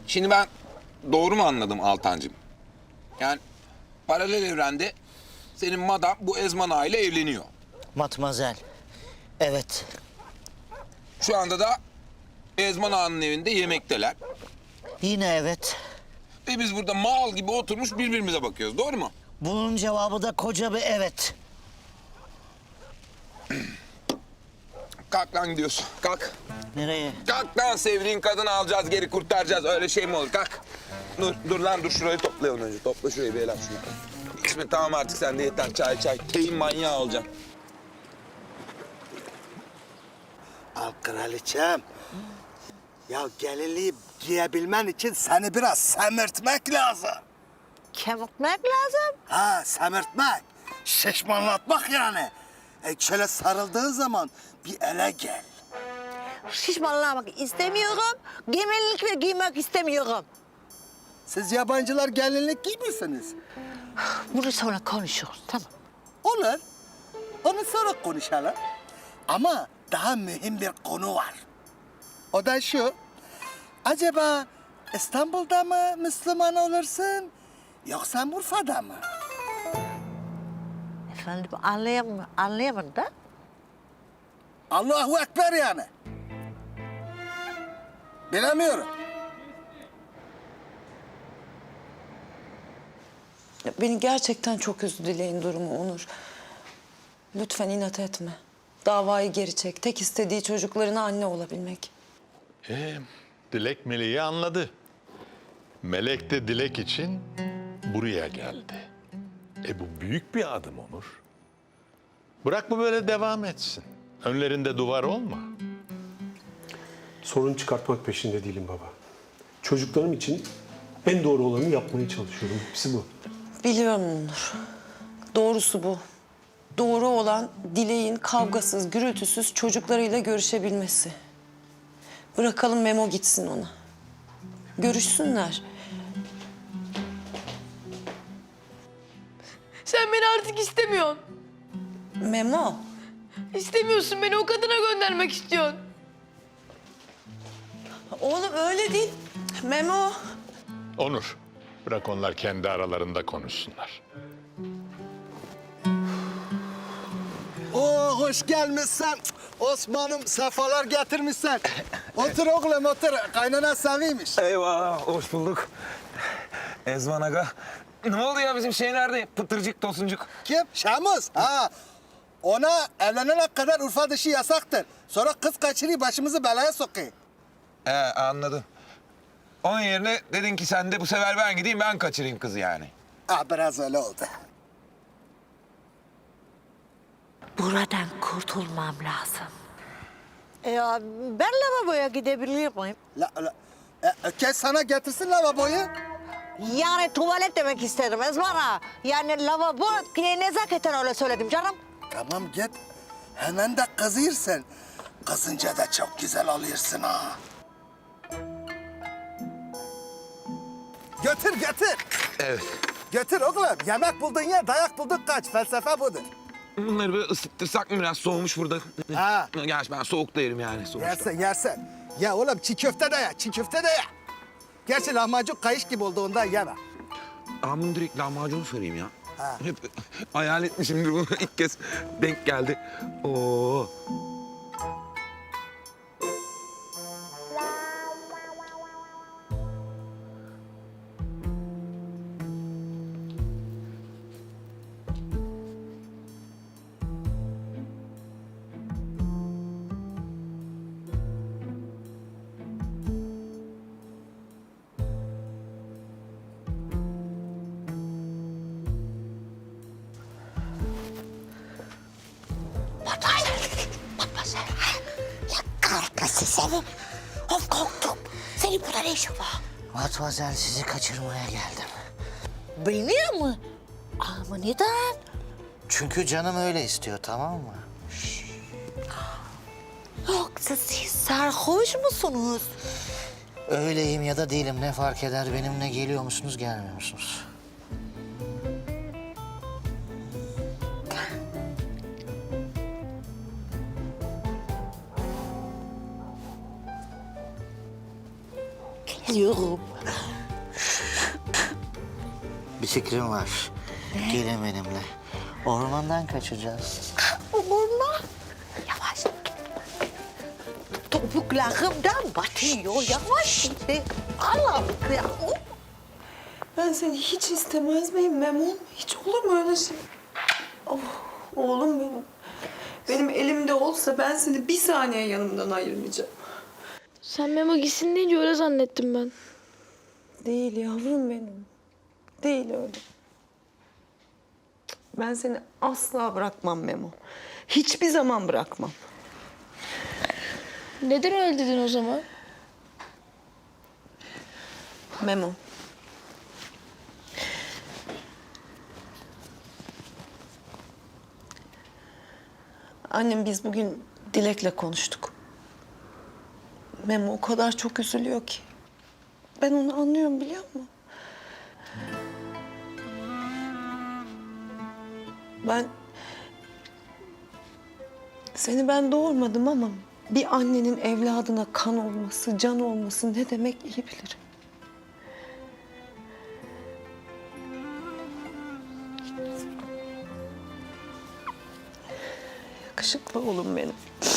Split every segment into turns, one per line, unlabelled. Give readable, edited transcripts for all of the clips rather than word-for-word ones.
Şimdi ben doğru mu anladım Altancığım? Yani paralel evrende senin madam bu Ezman Ağa ile evleniyor.
Matmazel. Evet.
Şu anda da Ezman Ağa'nın evinde yemekteler.
Yine evet.
Ve biz burada mal gibi oturmuş birbirimize bakıyoruz. Doğru mu?
Bunun cevabı da koca bir evet.
Kalk lan gidiyorsun. Kalk.
Nereye?
Kalk lan, sevdiğin kadını alacağız, geri kurtaracağız. Öyle şey mi olur? Kalk. Dur lan, dur şurayı toplayalım önce. Topla şurayı bir el at şunu. İsmet tamam artık sen de yeter. Çay. Teyin manyağı olacaksın.
Al kraliçem. Ya gelinliği giyebilmen için seni biraz semirtmek lazım.
Kemikmek lazım.
Ha, semirtmek. Şişmanlatmak yani. Şöyle sarıldığın zaman bir ele gel.
Şişmanlamak istemiyorum. Gelinlik ve giymek istemiyorum.
Siz yabancılar gelinlik giymiyorsunuz.
Bunu sonra konuşuruz, tamam.
Olur. Onu sonra konuşalım. Ama daha mühim bir konu var. O da şu. Acaba İstanbul'da mı Müslüman olursun yoksa Urfa'da mı?
Efendim anlayamadım da.
Allahu Ekber yani. Bilemiyorum.
Beni gerçekten çok üzdü Dilek'in durumu Onur. Lütfen inat etme. Davayı geri çek. Tek istediği çocuklarına anne olabilmek.
Dilek Melek'i anladı. Melek de Dilek için buraya geldi. Bu büyük bir adım Onur. Bırak bu böyle devam etsin. Önlerinde duvar olma.
Sorun çıkartmak peşinde değilim baba. Çocuklarım için en doğru olanı yapmaya çalışıyorum. Hepsi bu.
Biliyorum Onur. Doğrusu bu. Doğru olan Dilek'in kavgasız, gürültüsüz çocuklarıyla görüşebilmesi. Bırakalım Memo gitsin ona. Görüşsünler.
Sen beni artık istemiyorsun.
Memo,
İstemiyorsun, beni o kadına göndermek istiyorsun.
oğlum öyle değil. Memo.
Onur, bırak onlar kendi aralarında konuşsunlar.
Oo, hoş gelmişsin. Osman'ım sefalar getirmişsin. Otur oğlum otur. Kaynana seviymiş.
Eyvah, hoş bulduk. Ezman Aga. Ne oldu ya, bizim şey nerede? Pıtırcık, tosuncuk.
Kim? Şamuz. Ha. Ona evlenene kadar Urfa dışı yasaktır. Sonra kız kaçırıyor başımızı belaya sokuyor.
Anladım. Onun yerine dedin ki sen de bu sefer ben gideyim, ben kaçırayım kızı yani.
Biraz öyle oldu.
Buradan kurtulmam lazım. Ya ben lavaboya gidebilir miyim?
Kes sana getirsin lavaboyu.
Yani tuvalet demek istedim Ezmara. Yani lavabo nezaketen öyle söyledim canım.
Tamam git. Hemen de kızıyorsun. Kızınca da çok güzel oluyorsun ha. Götür.
Evet.
Götür oğlum. Yemek buldun ye, dayak buldun kaç. Felsefe budur.
Bunları böyle ısıttırsak mı, biraz soğumuş burada?
Ha.
Gerçi ben soğukta yerim yani sonuçta.
Yersen. Ya oğlum çiğ köfte de ye, Gerçi lahmacun kayış gibi oldu ondan yeme.
Ben bunu direkt lahmacun sorayım ya.
Ha.
Hep hayal etmişimdir bunu. İlk kez denk geldi. Oo.
Kahretmesin seni. Of korktum. Senin burada ne işin var?
Matmazel sizi kaçırmaya geldim.
Beni mi? Ama neden?
Çünkü canım öyle istiyor, tamam mı?
Yoksa siz sarhoş musunuz?
Öyleyim ya da değilim, ne fark eder? Benimle geliyor musunuz, gelmiyor musunuz?
Biliyorum.
Bir fikrim var. Gelin benimle. Ormandan kaçacağız.
Orman. Yavaş. Topuklarımdan batıyor. Yavaş git. Allah'ım ya.
Ben seni hiç istemez miyim Memo? Hiç olur mu öyle şey? Oh, oğlum benim. Benim elimde olsa ben seni bir saniye yanımdan ayırmayacağım.
Sen Memo gitsin deyince öyle zannettim ben.
Değil yavrum benim. Değil öyle. Ben seni asla bırakmam Memo. Hiçbir zaman bırakmam.
Neden öyle dedin o zaman?
Memo. Annem biz bugün Dilek'le konuştuk. Memo o kadar çok üzülüyor ki. Ben onu anlıyorum biliyor musun? Seni ben doğurmadım ama bir annenin evladına kan olması, can olması ne demek iyi bilirim. Yakışıklı oğlum benim.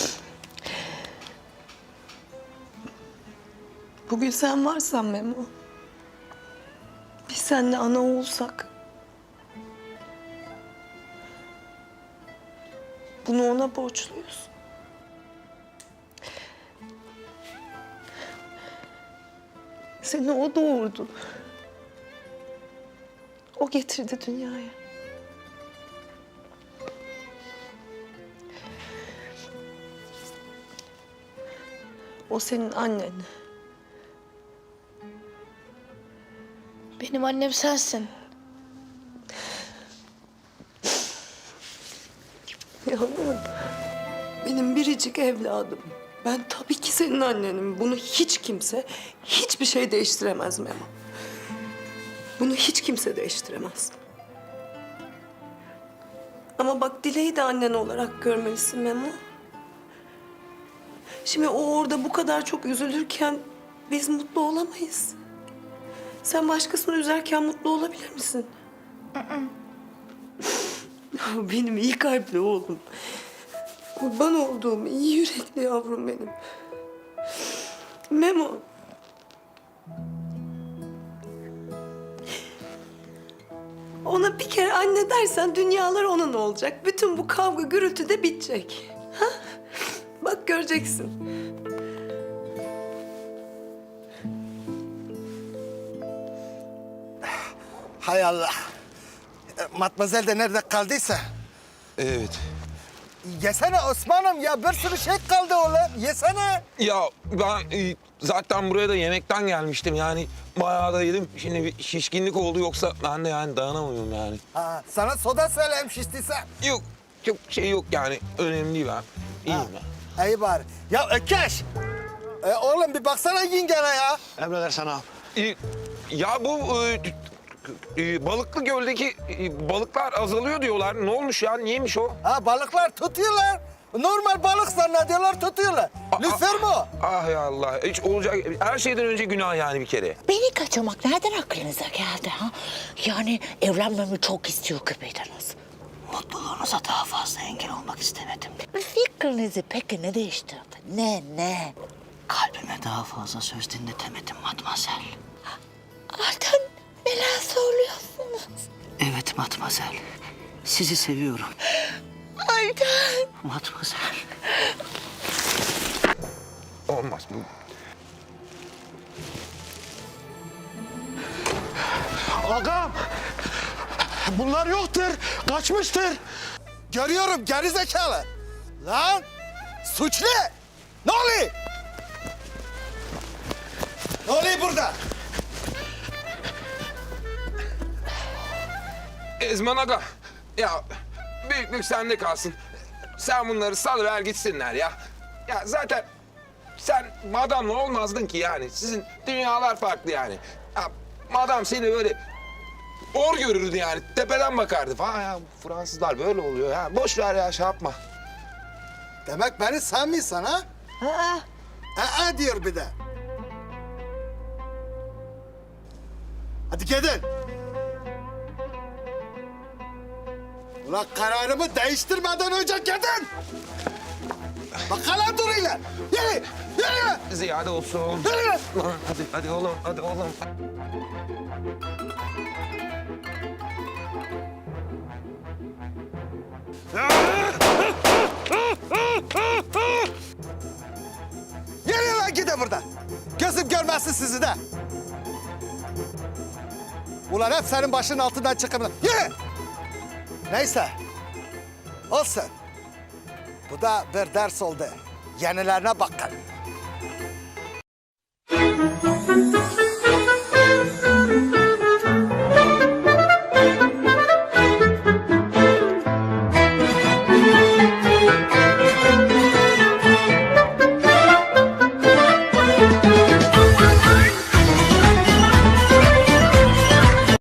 Bugün sen varsan Memo, biz seninle ana olsak, bunu ona borçluyuz. Seni o doğurdu. O getirdi dünyaya. O senin annen.
Benim annem sensin.
Yavrum, benim biricik evladım. Ben tabii ki senin annenim. Bunu hiç kimse, hiçbir şey değiştiremez Memo. Bunu hiç kimse değiştiremez. Ama bak Dilek'i de annen olarak görmelisin Memo. Şimdi o orada bu kadar çok üzülürken biz mutlu olamayız. Sen başkasını üzerken mutlu olabilir misin? Benim iyi kalpli oğlum. Kurban olduğum iyi yürekli yavrum benim. Memo. Ona bir kere anne dersen dünyalar onun olacak. Bütün bu kavga gürültü de bitecek. Ha? Bak göreceksin.
Hay Allah. Matmazel de nerede kaldıysa.
Evet.
Yesene Osman'ım ya, bir sürü şey kaldı oğlum. Yesene.
Ya ben zaten buraya da yemekten gelmiştim yani. Bayağı da yedim. Şimdi bir şişkinlik oldu yoksa ben de yani dayanamıyorum yani.
Ha, sana soda söyleyeyim şiştiyse.
Yok, çok şey yok yani. Önemli değil ben. İyiyim ben.
İyi bari. Ya Ökeş. Oğlum bir baksana yengene ya.
Emredersen ağam.
Ya bu Balıklı Göl'deki balıklar azalıyor diyorlar. Ne olmuş ya? Niyeymiş o?
Ha, balıklar tutuyorlar. Normal balık zannediyorlar, tutuyorlar. Lütfen mi o?
Ah ya Allah. Hiç olacak. Her şeyden önce günah yani bir kere.
Beni kaçırmak nereden aklınıza geldi ha? Yani evlenmemi çok istiyor gibiydiniz. Mutluluğunuza daha fazla engel olmak istemedim. Fikrinizi peki ne değiştirdi? Ne?
Kalbime daha fazla söz dinletemedim Matmazel.
Artan neler söylüyorsunuz?
Evet Matmazel. Sizi seviyorum.
Ayten.
Matmazel.
Olmaz bu.
Ağam! Bunlar yoktur, kaçmıştır.
Görüyorum gerizekalı. Lan suçlu. Ne oluyor? Ne oluyor burada?
Ezman Aga. Ya büyüklük sende kalsın. Sen bunları salıver gitsinler ya. Ya zaten sen madamla olmazdın ki yani. Sizin dünyalar farklı yani. Ya madam seni böyle hor görürdü yani. Tepeden bakardı falan ya. Fransızlar böyle oluyor ya. Boş ver ya şey yapma.
Demek beni sevmiyorsun ha? Aa diyor bir de. Hadi gidin. Ulan kararımı değiştirmeden önce gidin. Bakalım duruyla. Yürü, yürü.
Ziyade olsun.
Yürü.
Hadi oğlum, hadi oğlum.
Yürü lan gidin buradan. Gözüm görmezsin sizi de. Ulan hep senin başının altından çıkın. Yürü. Neyse. Olsun. Bu da bir ders oldu. Yenilerine bakın.